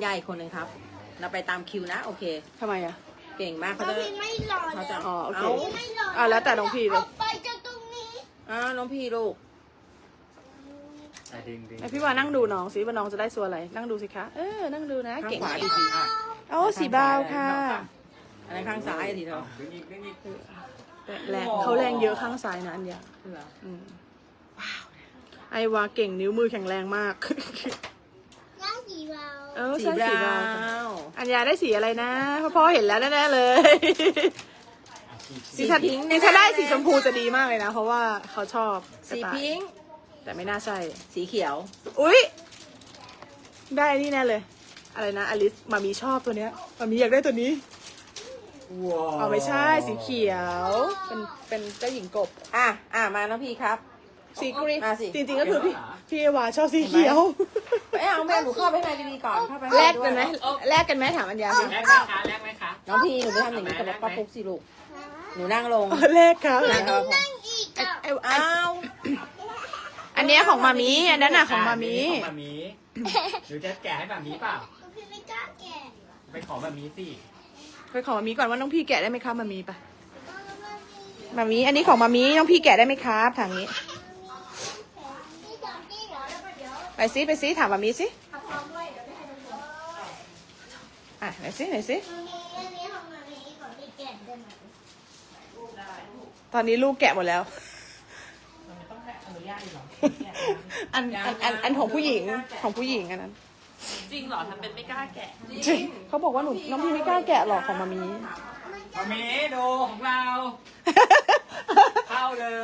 ญาอีกคนหนึ่งครับ เราไปตามคิวนะโอเคทำไมอ่ะเก่งมากเขาน้องจะพี่ไม่รอเขาจะแล้วอ๋อโอเคไม่รอแล้วแต่น้องพี่เลยออกไปจากตรงนี้น้องพี่ลูกดึงไอพี่ว่านั่งดูน้องสิว่าน้องจะได้ส่วนอะไรนั่งดูสิคะนั่งดูนะข้างเก่งขวามาดีกดีโอ้สีบาวค่ะอันนั้นข้างซ้ายทีเดียวดึงอีกดึงอีกแรงเขาแรงเยอะข้างซ้ายนะอันยาเหรอไอวาเก่งนิ้วมือแข็งแรงมากย่าสีเราสีใช่บสีราบาวค่ะวอัญญาได้สีอะไรนะพ่อเห็นแล้วแน่ๆเลยสีพิงค์นี่ถ้าได้สีชมพูจะดีมากเลยนะ เพราะว่าเขาชอบสีพิงค์แต่ไม่น่าใช่สีเขียวอุ๊ย ได้นี่แน่เลย อะไรนะอลิสมามีชอบตัวเนี้ยมามีอยากได้ตัวนี้ว้าวอ๋อไม่ใช่สีเขียว เป็นเจ้าหญิงกบมาน้องพี่ครับสีกรีนมาสิจริงๆก็คือพี่เอวาชอบสีเขียวเอาแม่หนูเข้าไปในดีๆก่อนเข้าไปแลกกันไหมแลกกันไหมถามอัญญาสิแรกไหมคะแรกไหมคะน้องพี่หนูไปทำอย่างนี้กับป้าปุ๊กสิลูกหนูนั่งลงแลกครับนั่งกับนั่งอีกอ่ะอ้าวอันเนี้ยของมามีอันนั้นน่ะของมามีของมามีหรือจะแกะให้มามีเปล่าพี่ไม่กล้าแกะไปขอมามีสิไปขอมามีก่อนว่าน้องพี่แกะได้ไหมครับมามีปะมามีอันนี้ของมามีน้องพี่แกะได้ไหมครับทางนี้นี่จำที่เหรอแล้วเดี๋ยวไปซิถามมามีสิไหนซิอันนี้ของมันนี้ของพี่แกะได้ไหมตอนนี้ลูกแกะหมดแล้วต้องอนุญาตหรออันของผู้หญิงอันนั้นจริงเหรอทำเป็นไม่กล้าแกะจริงเขาบอกว่าน้องพี่ไม่กล้าแกะหรอกของมามีมามีดูของเรา เข้าเลย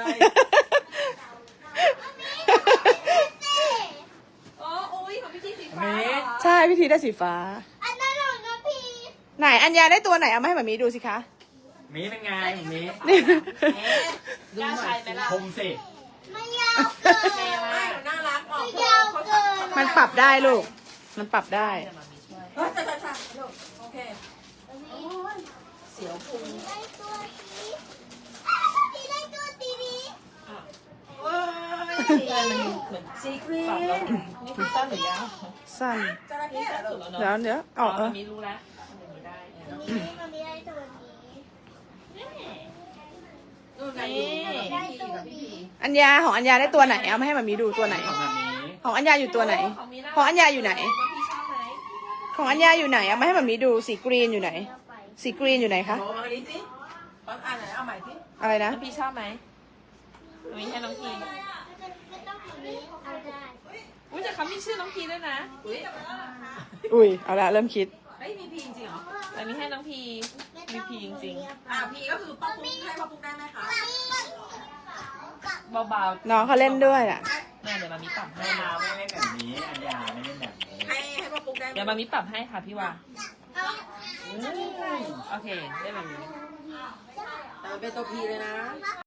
อ๋ออุ้ยของพี่จีสีมาฟ้ามีใช่พิธีได้สีฟ้าอันนั้นของน้องพี่ไหนอัญญาได้ตัวไหนเอามาให้มามีดูสิคะมีเป็นไงมีกล้าใช้ไหมล่ะคมสิไม่ยาวเกินน่ารักออกไม่ยาวเกินมันปรับได้ลูก มันปรับได้ใช่ลูกโอเคเสียวพุงได้ตัวนี้พี่ได้ตัวสีนี้เว้ยมันเหมือนซีกรีนนี่คือสั้นหรือยาวสั้นจระเข้เหรอสุดลูกแล้วเนาะเดี๋ยวอ๋อเออมันมีรู้แล้วมันมีได้มันไม่ได้ตัวนี้นู่นไงอยู่กับพี่อัญญาของอัญญาได้ตัวไหนเอามาให้มามีดูตัวไหนของมามีของอัญญาอยู่ตัวไหนของมีน่ของอัญญาอยู่ไหนน้องพี่ชอบไหมของอัญญาอยู่ไหนเอามาให้มามีดูสีกรีนอยู่ไหน สีกรีนอยู่ไหนคะโอ้มาดิสิตอนอ่านไหนเอาใหม่สิอะไรนะน้องพี่ชอบไหมมีให้น้องพีไม่ต้องแบบนี้เอาได้อุ้ยแต่เขามีชื่อน้องพีด้วยนะอุ้ยอุ้ยเอาละเริ่มคิดเฮ้ยมีพีจริงเหรอแต่มีให้น้องพีมีพีจริงพีก็คือป้าปุ๊กให้ป้าปุ๊กได้ไหมคะๆเบาๆน้องเขาเล่นด้วยอ่ะเนี่ยเดี๋ยวมามีปรับให้เราไม่เล่นแบบนี้อัญญาไม่เล่นแบบนี้ให้ป้าปุ๊กได้ไหมเดี๋ยวมามีปรับให้ค่ะพี่ว่าเอาโอเคได้แบบนี้แต่มันเป็นตัวพีเลยนะ